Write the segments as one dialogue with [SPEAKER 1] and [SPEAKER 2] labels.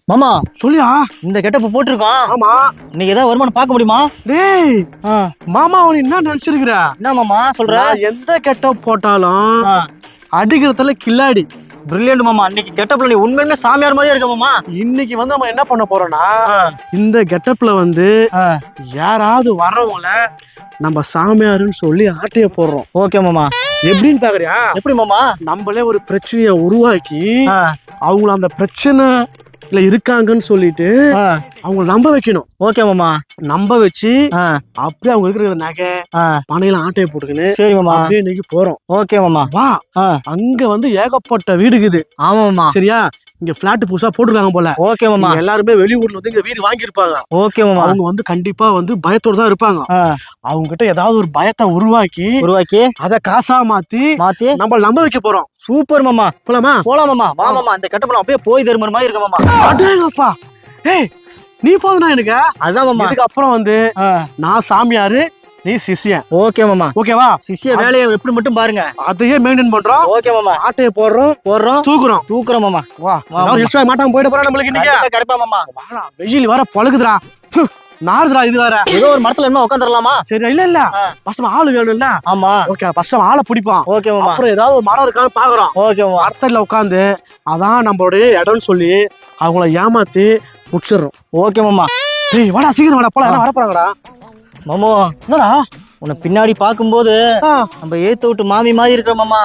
[SPEAKER 1] மாமா
[SPEAKER 2] சொல்லியா
[SPEAKER 1] இந்த கெட்டப் போட்டிருக்கோம்.
[SPEAKER 2] ஆமா
[SPEAKER 1] இன்னைக்கு ஏதாவது வருமானம் பார்க்க முடியுமா?
[SPEAKER 2] டேய் மாமா அவன் என்ன நினைச்சிருக்கிற?
[SPEAKER 1] என்ன மாமா சொல்ற?
[SPEAKER 2] எந்த கெட்டப் போட்டாலும் அடிக்கிறதுல கில்லாடி
[SPEAKER 1] பிரில்லியன்ட் மாமா. இன்னைக்கு கெட்டப்ல நீ உண்மையுமே சாமியார் மாதிரியே இருக்க மாமா.
[SPEAKER 2] இன்னைக்கு வந்து நம்ம என்ன பண்ண போறோம்னா இந்த கெட்டப்ல வந்து யாராவது வர்றவங்கள நம்ம சாமியாருன்னு சொல்லி ஆட்டைய போடுறோம்.
[SPEAKER 1] ஓகே மாமா.
[SPEAKER 2] எப்படின்னு பாக்குறியா?
[SPEAKER 1] எப்படி மாமா?
[SPEAKER 2] நம்மளே ஒரு பிரச்சனைய உருவாக்கி அவங்கள அந்த பிரச்சனை இருக்காங்கன்னு சொல்லிட்டு அவங்க நம்ப வைக்கணும்.
[SPEAKER 1] ஓகே மாமா.
[SPEAKER 2] நம்ப வச்சு அப்படியே அவங்க இருக்கிற நகை பணையில ஆட்டையை போட்டுக்கின்னு
[SPEAKER 1] சரி மாமா
[SPEAKER 2] அப்படியே இன்னைக்கு போறோம்.
[SPEAKER 1] ஓகே மாமா.
[SPEAKER 2] வா அங்க வந்து ஏகப்பட்ட வீடுக்குது.
[SPEAKER 1] ஆமா மாமா.
[SPEAKER 2] சரியா? இங்க பிளாட் புதுசா போட்டுருக்காங்க போல.
[SPEAKER 1] ஓகே மாமா.
[SPEAKER 2] எல்லாருமே வெளியூர்ல வந்து இங்க வீடு வாங்கியிருப்பாங்க.
[SPEAKER 1] ஓகே மாமா.
[SPEAKER 2] அவங்க வந்து கண்டிப்பா வந்து பயத்தோட தான் இருப்பாங்க. அவங்க கிட்ட ஏதாவது ஒரு பயத்தை உருவாக்கி அத காசா மாத்தி நம்ம நம்ப வைக்க போறோம்.
[SPEAKER 1] சூப்பர் மாமா.
[SPEAKER 2] போலாமா?
[SPEAKER 1] போலாம் மாமா. வா மாமா. இந்த கெட்டப்ல அப்படியே போய் தருமற மாதிரி இருக்க மாமா.
[SPEAKER 2] அடேங்கப்பா. ஏய் நீ போதுனா எனக்கு.
[SPEAKER 1] அதான் மாமா.
[SPEAKER 2] இதுக்கு அப்புறம் வந்து நான் சாமியாரு, நீ சிஷ்யன்.
[SPEAKER 1] ஓகே மாமா.
[SPEAKER 2] ஓகேவா?
[SPEAKER 1] சிஷ்ய வேலையை எப்படி மட்டும் பாருங்க.
[SPEAKER 2] அதையே மெயின்டைன் பண்றோம்.
[SPEAKER 1] ஓகே மாமா.
[SPEAKER 2] ஆட்டைய போடுறோம் தூக்குறோம் மாமா. வா எக்ஸ்ட்ரா மாட்டாம போயிட போறா நம்மளுக்கு இன்னைக்கு.
[SPEAKER 1] கிடைப்பா மாமா.
[SPEAKER 2] வாடா வெயில் வர பழகுதுடா. நாறுதுடா இது வேற.
[SPEAKER 1] ஏதோ ஒரு மரத்துல என்ன உட்காந்துடலாமா?
[SPEAKER 2] சரி இல்ல ஃபர்ஸ்ட் ஆளு வேணும்ல.
[SPEAKER 1] ஆமா.
[SPEAKER 2] ஓகே ஃபர்ஸ்ட் ஆளை பிடிப்போம்.
[SPEAKER 1] ஓகே மாமா.
[SPEAKER 2] அப்புறம் ஏதாவது ஒரு மரம் இருக்கான்னு பாக்குறோம்.
[SPEAKER 1] ஓகே மாமா.
[SPEAKER 2] மரத்துல உட்காந்து அதான் நம்மளுடைய இடம்னு சொல்லி அவங்கள ஏமாத்தி முடிச்சிடுறோம்.
[SPEAKER 1] ஓகே மாமா.
[SPEAKER 2] டேய் வாடா சீக்கிரம் வாடா போலாம். என்ன வரப்போறாங்கடா
[SPEAKER 1] மாமா? என்னடா உன்னை பின்னாடி பாக்கும்போது நம்ம ஏத்து விட்டு மாமி மாதிரி இருக்கிற மாமா.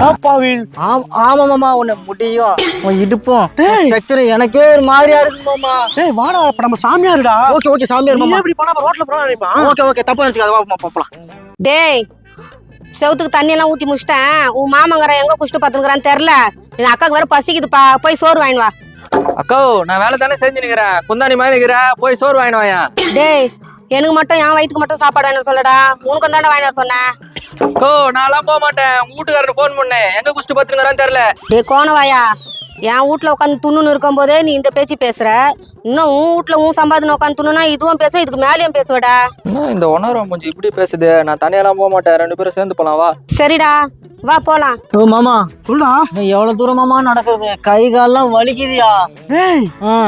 [SPEAKER 1] ஆமா மாமா. உன்னை முடியும் உன் இடுப்பும் ஸ்ட்ரக்சர் எனக்கே ஒரு மாதிரியா இருக்கு மாமா.
[SPEAKER 2] டேய் வாடா நம்ம சாமியாருடா.
[SPEAKER 1] ஓகே சாமியார் மாமா.
[SPEAKER 2] எப்படி போனா ரோட்ல போனா நினைப்பான்.
[SPEAKER 1] ஓகே தப்பா நினைச்சுக்காத. வா போலாம்.
[SPEAKER 3] டேய் செவுத்துக்கு தண்ணி எல்லாம் ஊத்தி முடிச்சிட்டேன். உன் மாமங்கர எங்க குஷ்டு பாத்துக்கிறான்னு தெரியல. என் அக்காக்கு வேற பசிக்குதுப்பா. போய் சோறு வாங்கிட்டு வா.
[SPEAKER 4] அக்கா நான் வேலை தானே செஞ்சு நிக்கிறேன். குந்தாணி மாதிரி நிக்கிறேன். போய் சோறு வாங்கிட்டு வாயா.
[SPEAKER 3] டேய் எனக்கு மட்டும் என் வயிற்றுக்கு மட்டும் சாப்பாடு வாங்கிட்டு சொல்லடா. உனக்கு தாண்டா வாங்கிட்டு சொன்னேன்.
[SPEAKER 4] அக்கோ நான்லாம் போக மாட்டேன். உங்க வீட்டுக்காரன் போன் பண்ணேன். எங்க குஷ்டு பாத்துக்கிறான்னு தெரியல.
[SPEAKER 3] டேய் கோணவாயா, என் வீட்டுல உட்காந்து துண்ணுன்னு இருக்கும் போதே நீ இந்த பேச்சு பேசுற. இன்னும் உன் வீட்டுல உன் சம்பாதனை உட்காந்து துண்ணுனா இதுவும் பேசுவேன், இதுக்கு மேலேயும் பேசுவடா.
[SPEAKER 4] இந்த ஒன்னாரம் கொஞ்சம் இப்படி பேசுது. நான் தனியெல்லாம் போக மாட்டேன். 2 பேரும் சேர்ந்து போலாம் வா.
[SPEAKER 3] சரிடா வா போலாம்.
[SPEAKER 1] ஓ மாமா
[SPEAKER 2] சொல்டா.
[SPEAKER 1] நீ எவ்வளவு தூரமாமா நடக்குது? கை கால்லாம் வலிக்குதியா?
[SPEAKER 2] டேய்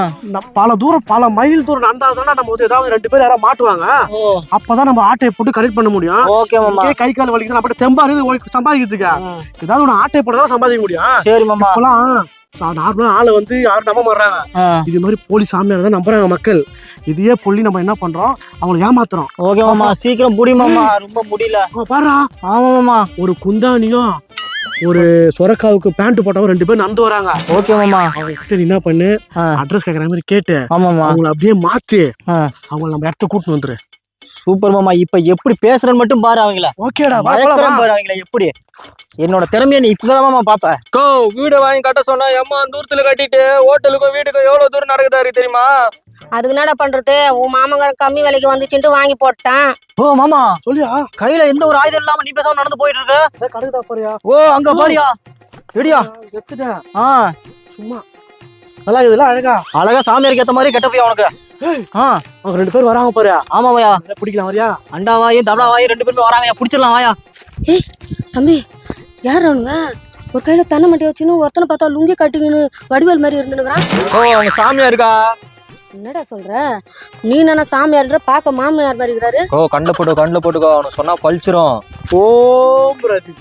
[SPEAKER 2] பல தூரம் பல மைல் தூரம் நடந்தாதானே நம்ம வந்து ஏதாவது 2 பேர் யாராவது மாட்டுவாங்க. அப்பதான் நம்ம ஆட்டையை போட்டு கரெக்ட் பண்ண முடியும்.
[SPEAKER 1] ஓகே மாமா.
[SPEAKER 2] கை கால் வலிக்குது அப்படி தெம்பா இருந்து சம்பாதிக்கிறதுக்கு ஏதாவது ஒரு ஆட்டையை போட்டு சம்பாதிக்க முடியும்.
[SPEAKER 1] சரி மாமா.
[SPEAKER 2] நார்மலா ஆளை வந்து யாரும் நம்ப மாட்டாங்க. இது மாதிரி போலி சாமியார் தான் நம்புறாங்க மக்கள். இதையே பொல்லி நம்ம என்ன பண்றோம், அவங்களை ஏமாத்துறோம்.
[SPEAKER 1] ஓகே மாமா சீக்கிரம் புடி மாமா. ரொம்ப முடியல.
[SPEAKER 2] பாரு.
[SPEAKER 1] ஆமா மாமா.
[SPEAKER 2] ஒரு குந்தானியும் ஒரு சொரக்காவுக்கு பேண்ட் போட்டவங்க 2 பேரும் நடந்து வராங்க.
[SPEAKER 1] ஓகே மாமா.
[SPEAKER 2] அவங்க கிட்ட நீ என்ன பண்ணு, அட்ரஸ் கேக்குற மாதிரி கேட்டு அவங்களை அப்படியே மாத்தி அவங்களை நம்ம இடத்த கூட்டிட்டு வந்துரு.
[SPEAKER 1] சூப்பர் மாமா. இப்ப எப்படி பேசுறேன்னு மட்டும் பாரு அவங்கள.
[SPEAKER 2] ஓகேடா
[SPEAKER 1] பாரு அவங்கள எப்படி. என்னோட திறமையை நீ இப்பதான் மாமா பாப்ப.
[SPEAKER 4] கோ வீடு வாங்கி கட்ட சொன்னா எம்மா தூரத்துல கட்டிட்டு ஹோட்டலுக்கும் வீட்டுக்கும் எவ்வளவு தூரம் நடக்குதாரு தெரியுமா?
[SPEAKER 3] அதுக்கு என்னடா பண்றது, உன் மாமங்காரன் கம்மி விலைக்கு வந்துச்சுட்டு வாங்கி போட்டான்.
[SPEAKER 1] ஓ மாமா
[SPEAKER 2] சொல்லியா?
[SPEAKER 1] கையில எந்த ஒரு ஆயுதம் இல்லாம நீ பேசாம நடந்து போயிட்டு இருக்க.
[SPEAKER 2] கடுதா பாரியா?
[SPEAKER 1] ஓ அங்க பாரியா. ரெடியா?
[SPEAKER 2] எடுத்துட்டேன்.
[SPEAKER 1] சும்மா
[SPEAKER 2] நல்லா இருக்குதுல்ல? அழகா
[SPEAKER 1] சாமியாருக்கு ஏத்த மாதிரி கெட்டப்பையா உனக்கு.
[SPEAKER 2] அவங்க 2 பேரும் வராங்க பாரு.
[SPEAKER 1] ஆமாவையா.
[SPEAKER 2] பிடிக்கலாம் வரியா?
[SPEAKER 1] அண்டாவாயும் தபடாவாயும் 2 பேருமே வராங்க. பிடிச்சிடலாம் வாயா.
[SPEAKER 3] ஏய் தம்பி யார் அவனுங்க? ஒரு கையில தண்ணி மட்டி வச்சுன்னு ஒருத்தனை பார்த்தா லுங்கி கட்டிக்கின்னு வடிவேல் மாதிரி இருந்துனுக்குறான்.
[SPEAKER 4] ஓ அவங்க சாமியா இருக்கா?
[SPEAKER 3] என்னடா சொல்ற நீ? என்ன சாமியார்ன்ற பார்க்க மாமியார் மாதிரி இருக்கிறாரு.
[SPEAKER 4] ஓ கண்ணில் போட்டுக்கோ. அவனு சொன்னா பழிச்சிரும்.
[SPEAKER 2] ஓம் பிரதி.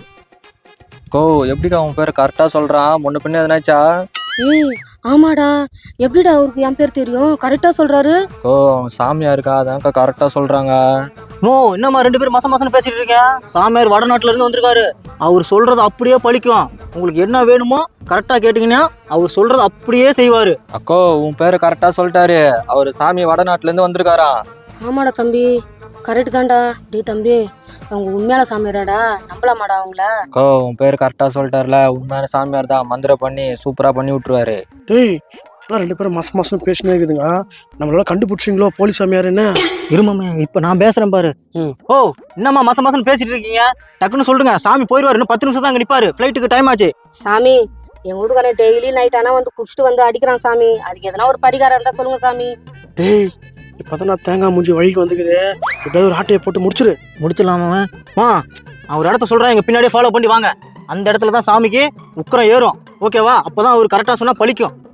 [SPEAKER 4] கோ எப்படிக்கா உன் பேர் கரெக்டா சொல்றான்? முன்ன பின்ன எதனாச்சா?
[SPEAKER 3] ஆமாடா. எப்படிடா அவருக்கு என் பேர் தெரியும்? கரெக்டா சொல்றாரு.
[SPEAKER 4] ஓ சாமியா இருக்கா? அதான்க்கா கரெக்டா சொல்றாங்க.
[SPEAKER 1] என்னம்மா 2 பேரும் மாசம் பேசிட்டு இருக்கேன். சாமியார் வடநாட்டுல இருந்து வந்திருக்காரு. அவர் சொல்றது அப்படியே பழிக்கும். உங்களுக்கு என்ன வேணுமோ கரெக்டா கேட்டீங்கன்னா அவர் சொல்றது அப்படியே செய்வாரு.
[SPEAKER 4] அக்கோ உன் பேரு கரெக்டா சொல்லிட்டாரு. அவரு சாமி வடநாட்டுல இருந்து வந்திருக்காரா?
[SPEAKER 3] ஆமாடா தம்பி கரெக்ட் தான்டா. டே தம்பி அவங்க உண்மையான சாமியாராடா, நம்பலாமாடா அவங்கள?
[SPEAKER 4] அக்கோ உன் பேரு கரெக்டா சொல்லிட்டாருல. உண்மையான சாமியார் தான். மந்திரம் பண்ணி சூப்பரா பண்ணி விட்டுருவாரு.
[SPEAKER 2] டேய் 2 பேரும் மாசம் பேசினே இருக்குதுங்க. நம்மளால கண்டுபிடிச்சிங்களோ போலீஸ் சாமியார்? என்ன
[SPEAKER 1] இருமாமே இப்ப நான் பேசுறேன் பாரு. ஓ என்னம்மா மாசம் பேசிட்டு இருக்கீங்க? டக்குன்னு சொல்லுங்க. சாமி போயிடுவாரு. இன்னும் 10 நிமிஷம் தான் அங்க நிப்பாரு. ஃபிளைட்டுக்கு டைம் ஆச்சு.
[SPEAKER 3] சாமி எங்க வீட்டுக்காரன் டெய்லி நைட் ஆனா வந்து குடிச்சிட்டு வந்து அடிக்கிறான் சாமி. அதுக்கு எதனா ஒரு பரிகாரம் இருந்தா சொல்லுங்க சாமி.
[SPEAKER 2] டேய் இப்பதான் தேங்காய் மூஞ்சி வழிக்கு வந்துக்குது. எப்படியாவது ஒரு ஆட்டையை போட்டு
[SPEAKER 1] முடிச்சிடலாமா? அவர் இடத்த சொல்றேன். எங்க பின்னாடியே ஃபாலோ பண்ணி வாங்க. அந்த இடத்துல தான் சாமிக்கு உக்கரம் ஏறும். ஓகேவா? அப்பதான் அவர் கரெக்டா சொன்னா பழிக்கும்.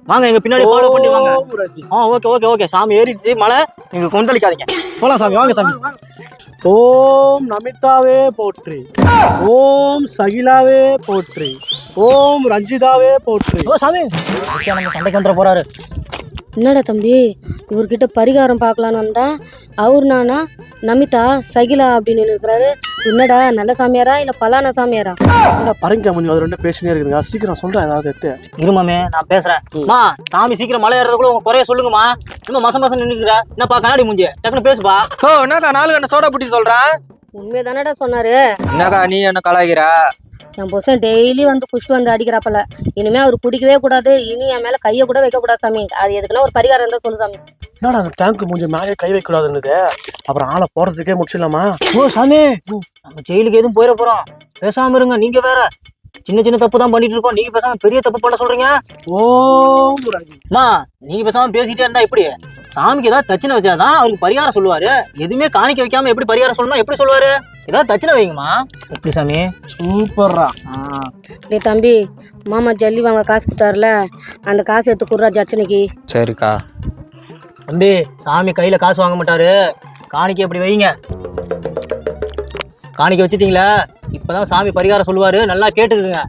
[SPEAKER 1] வாங்க எங்க பின்னாடி ஃபாலோ பண்ணி வாங்க
[SPEAKER 2] ஓம் ரஜி.
[SPEAKER 1] ஓகே ஓகே ஓகே சாமி ஏறிடுச்சு மலை நீங்க கொந்தளிக்காதீங்க போலாம் சாமி வாங்க சாமி
[SPEAKER 2] ஓம் நமிதாவே போற்றி, ஓம் சகிலாவே போற்றி, ஓம் ரஞ்சிதாவே போற்றி.
[SPEAKER 1] ஓ சாமி நம்ம சண்டைக்கு வந்துட போறாரு.
[SPEAKER 3] என்னடா தம்பி இவர்கிட்ட பரிகாரம் பார்க்கலான்னு வந்தா அவர் நானா நமிதா சகிலா அப்படின்னு இருக்கிறாரு. என்னடா நல்ல சாமியாரா இல்ல பலான சாமியாரா?
[SPEAKER 2] பரங்க முடியும் அது ரெண்டு பேசினே இருக்குதுங்க. சீக்கிரம் சொல்றேன் ஏதாவது எடுத்து.
[SPEAKER 1] இருமாமே நான் பேசுறேன். மா சாமி சீக்கிரம் மலை ஏறதுக்குள்ள உங்க குறைய சொல்லுங்கம்மா. இன்னும் மாசம் நின்னுக்கிற என்னப்பா கண்ணாடி மூஞ்சி டக்குன்னு பேசுப்பா.
[SPEAKER 4] ஓ என்னக்கா 4 கண்ண சோடா புட்டி சொல்றேன்.
[SPEAKER 3] உண்மையை தானடா சொன்னாரு.
[SPEAKER 4] என்னக்கா நீ என்ன கலாய்க்கிற?
[SPEAKER 3] என் புருஷன் டெய்லி வந்து குஷ்டு வந்து அடிக்கிறாப்பல. இனிமே அவர் குடிக்கவே கூடாது. இனி என் மேல கையை கூட வைக்க கூடாது சாமி. அது எதுக்குன்னா ஒரு பரிகாரம் இருந்தா சொல்லு சாமி.
[SPEAKER 2] என்னடா அந்த டேங்க் மூஞ்சி மேலே கை வைக்க கூடாதுன்னு அப்புறம் ஆளை போறதுக்கே முடிச்சிடலாமா?
[SPEAKER 1] ஓ சாமி நம்ம ஜெயிலுக்கு எதுவும் போயிட போறோம். பேசாம இருங்க. நீங்க வேற சின்ன தப்பு தான் பண்ணிட்டு இருக்கோம். நீங்க பேசாம பெரிய தப்பு பண்ண சொல்றீங்க.
[SPEAKER 2] ஓம் ரஜி.
[SPEAKER 1] மா நீங்க பேசாம பேசிட்டே இருந்தா எப்படி? சாமிக்கு ஏதாவது தட்சணை வச்சாதான் அவருக்கு பரிகாரம் சொல்லுவாரு. எதுவுமே காணிக்க வைக்காம எப்படி பரிகாரம் சொல்லணும் எப்படி சொல்லுவாரு? ஏதாவது தட்சணை வைங்கம்மா. எப்படி சாமி?
[SPEAKER 2] சூப்பர்ரா.
[SPEAKER 3] டேய் தம்பி மாமா ஜல்லி வாங்க காசு கொடுத்தாருல அந்த காசு எடுத்து குடுறா ஜச்சனைக்கு.
[SPEAKER 4] சரிக்கா.
[SPEAKER 1] தம்பி சாமி கையில காசு வாங்க மாட்டாரு. காணிக்கை எப்படி வைங்க. காணிக்கை வச்சுட்டீங்களா? இப்பதான் சாமி பரிகாரம் சொல்லுவாரு. நல்லா கேட்டுக்குங்க.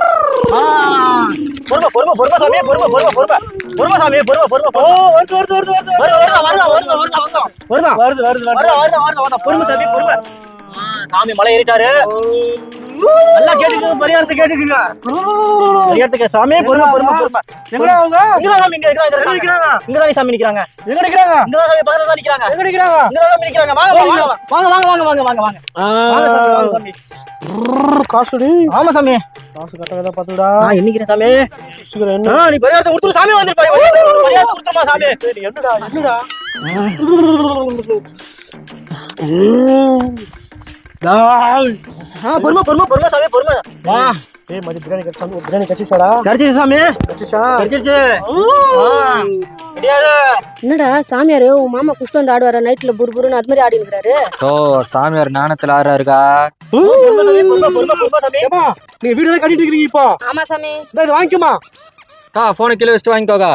[SPEAKER 1] பொறுமை பொறுமை பொறுமை சாமி பொறுமை பொறுமை பொறுமை பொறுமை சாமி பொறுமை பொறுமை. ஓ வருது வருது வருது வருது வருது வருது வருது பொறுமை சாமி பொறுமை. சாமி மலை ஏறிட்டாரு. நல்லா கேட்டுக்குங்க. பரிகாரத்தை கேட்டுக்குங்க. பரிகாரத்துக்கு சாமி பொறுமை பொறுமை பொறுமை.
[SPEAKER 2] எங்கடா அவங்க?
[SPEAKER 1] இங்கதான் சாமி இங்கதான் சாமி நிக்கிறாங்க.
[SPEAKER 2] எங்க நிக்கிறாங்க?
[SPEAKER 1] இங்கதான் சாமி பக்கத்துல தான் நிக்கிறாங்க.
[SPEAKER 2] எங்க நிக்கிறாங்க?
[SPEAKER 1] இங்கதான் சாமி நிக்கிறாங்க. வாங்க வாங்க வாங்க வாங்க வாங்க வாங்க வாங்க வாங்க வாங்க சாமி வாங்க சாமி.
[SPEAKER 2] காசுடி.
[SPEAKER 1] ஆமா சாமி
[SPEAKER 2] காசு கட்டகதா பாத்துடா.
[SPEAKER 1] நான் எண்ணிக்கிறேன் சாமி.
[SPEAKER 2] சீக்கிரம் என்ன?
[SPEAKER 1] நீ பரிகாரத்தை கொடுத்துரு சாமி. வந்துரு பரிகாரத்தை கொடுத்துருமா சாமி.
[SPEAKER 2] என்னடா என்னடா?
[SPEAKER 1] பொறுமை பொறுமை பொறுமை சாமி பொறுமை. வா
[SPEAKER 2] ஏய் மதி பிரியாணி கடிச்சா பிரியாணி கடிச்சிச்சாடா?
[SPEAKER 1] கடிச்சிருச்சு சாமி.
[SPEAKER 2] கடிச்சிச்சா?
[SPEAKER 1] கடிச்சிருச்சு. ரெடியாரு.
[SPEAKER 3] என்னடா சாமியாரு உன் மாமா குஷ்டு வந்து ஆடுவார நைட்ல புருபுருன்னு அது மாதிரி ஆடி இருக்கிறாரு.
[SPEAKER 4] ஓ சாமியார் ஞானத்துல ஆறாருக்கா.
[SPEAKER 1] பொறுமை சாமி பொறுமை பொறுமை பொறுமை சாமி.
[SPEAKER 2] ஏமா நீ வீடியோ தான் கட்டிட்டு இருக்கீங்க இப்போ.
[SPEAKER 3] ஆமா சாமி.
[SPEAKER 2] இத வாங்கிக்கமா.
[SPEAKER 4] போனை கீழே வச்சுட்டு வாங்கிக்கோக்கா.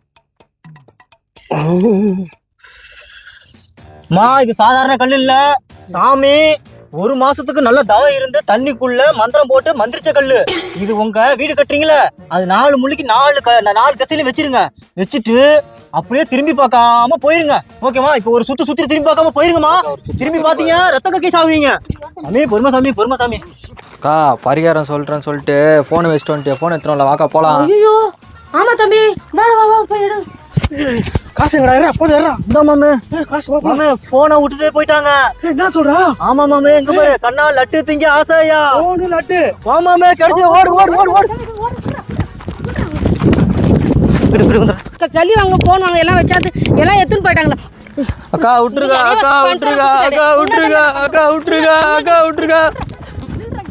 [SPEAKER 1] மா இது சாதாரண கல் இல்ல சாமி. 1 மாசத்துக்கு நல்ல தவம் இருந்து தண்ணிக்குள்ள மந்திரம் போட்டு மந்திரிச்ச கல்லு இது. உங்க வீடு கட்டுறீங்களா அது 4 முள்ளிக்கு 4 திசையிலும் வச்சிருங்க. வச்சுட்டு அப்படியே திரும்பி பார்க்காம போயிருங்க. ஓகேமா? இப்போ ஒரு சுத்தி திரும்பி பார்க்காம போயிருங்கம்மா. திரும்பி பாத்தீங்க ரத்த கக்கி சாவீங்க. சாமி பொறுமை சாமி பொறுமை சாமி.
[SPEAKER 4] அக்கா பரிகாரம் சொல்றேன்னு சொல்லிட்டு போனை வச்சுட்டு வந்துட்டு போன் எடுத்துறோம்ல வாக்கா போலாம்.
[SPEAKER 3] ஐயோ ஆமா தம்பி வா வா வா போய் எடு.
[SPEAKER 2] காசு எங்கடா? ஏறா போடு ஏறா.
[SPEAKER 1] இந்த மாமே
[SPEAKER 2] காசு வா.
[SPEAKER 1] மாமே போனை விட்டுட்டே போயிட்டாங்க.
[SPEAKER 2] என்ன சொல்றா?
[SPEAKER 1] ஆமா மாமே எங்க பாரு கண்ணா லட்டு திங்க ஆசையா.
[SPEAKER 2] ஓடு லட்டு.
[SPEAKER 1] மாமே கிடைச்சு ஓடு ஓடு ஓடு ஓடு.
[SPEAKER 3] ஜல்லி வாங்க போன் வாங்க எல்லாம் வச்சாது எல்லாம் எடுத்துன்னு போயிட்டாங்களா?
[SPEAKER 4] அக்கா விட்டுருக்கா அக்கா விட்டுருக்கா அக்கா விட்டுருக்கா அக்கா விட்டுருக்கா அக்கா விட்டுருக்கா.